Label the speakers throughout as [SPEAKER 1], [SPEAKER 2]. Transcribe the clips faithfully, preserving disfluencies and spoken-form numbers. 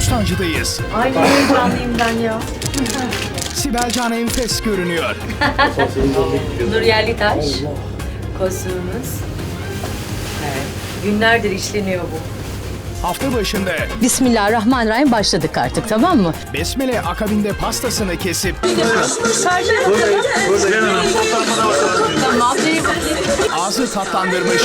[SPEAKER 1] Bostancı'dayız.
[SPEAKER 2] Ay ne heyecanlıyım ben ya.
[SPEAKER 1] Sibel Can enfes görünüyor.
[SPEAKER 2] Nur Yerlitaş. Kostümümüz. Evet. Günlerdir işleniyor bu.
[SPEAKER 1] Hafta başında
[SPEAKER 3] Bismillahirrahmanirrahim başladık artık, tamam mı?
[SPEAKER 1] Besmele akabinde pastasını kesip
[SPEAKER 3] Tamam.
[SPEAKER 1] ağzı tatlandırmış.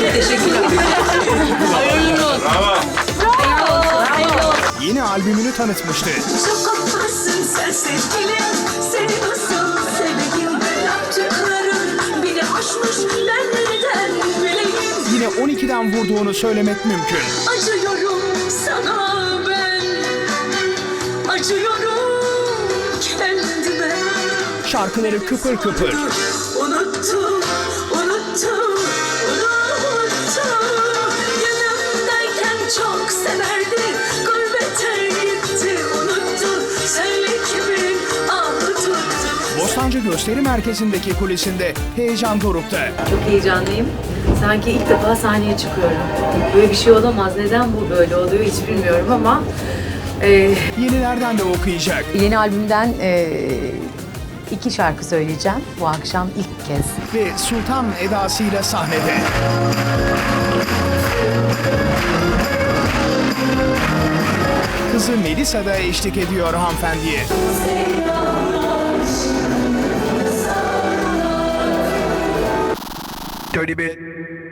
[SPEAKER 1] Yeni albümünü tanıtmıştı.
[SPEAKER 4] Sokaktasın sen sevgilim, seni nasıl seveyim? Yaptıkların bile aşmış, ben neden bileyim?
[SPEAKER 1] Yine on ikiden vurduğunu söylemek mümkün.
[SPEAKER 4] Acıyorum sana ben, acıyorum kendime.
[SPEAKER 1] Şarkıları kıpır kıpır.
[SPEAKER 4] Unuttum, unuttum, unuttum. Yanımdayken çok severdi, gurbete gitti, unuttu. Söyle kimin ahı tuttu.
[SPEAKER 1] Bostancı Gösteri Merkezi'ndeki kulisinde heyecan dorukta.
[SPEAKER 2] Çok heyecanlıyım. Sanki ilk defa sahneye çıkıyorum. Böyle bir şey olamaz. Neden bu böyle oluyor hiç bilmiyorum ama... E,
[SPEAKER 1] Yenilerden de okuyacak.
[SPEAKER 3] Yeni albümden eee, iki şarkı söyleyeceğim bu akşam ilk kez.
[SPEAKER 1] Ve Sultan edasıyla sahnede. Kızı Melisa da eşlik ediyor hanımefendiye. Dirty bit.